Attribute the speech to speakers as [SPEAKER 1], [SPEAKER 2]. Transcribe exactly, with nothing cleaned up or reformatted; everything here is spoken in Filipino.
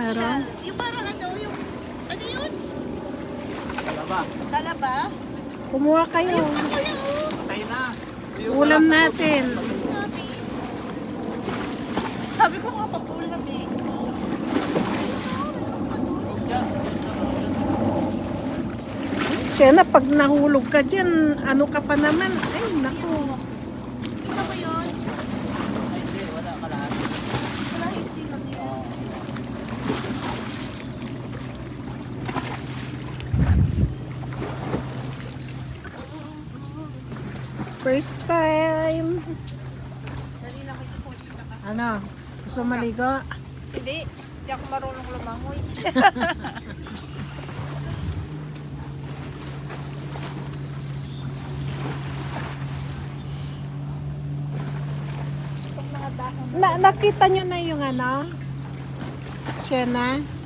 [SPEAKER 1] Meron?
[SPEAKER 2] Yung parang ano, yung, ano yun?
[SPEAKER 3] Talaba.
[SPEAKER 2] Talaba?
[SPEAKER 1] Kumuha kayo.
[SPEAKER 2] Ayun pa kuya, oh.
[SPEAKER 3] Patay na. Yung
[SPEAKER 1] Ulam
[SPEAKER 3] wala sa
[SPEAKER 1] natin.
[SPEAKER 2] Sabi. Sabi ko nga, papulam eh.
[SPEAKER 1] Siya na, pag nahulog ka dyan, ano ka pa naman? Ay, naku.
[SPEAKER 2] Kita mo yun?
[SPEAKER 3] Ay, hindi. Wala ka lahat.
[SPEAKER 2] Wala, hindi lang yan.
[SPEAKER 1] First time.
[SPEAKER 2] Dali lang kayo po.
[SPEAKER 1] Ano? Gusto maligo?
[SPEAKER 2] Hindi. Hindi ako marunong lumangoy. Pag mga dahon.
[SPEAKER 1] Na, nakita nyo na yung ano? Siya na?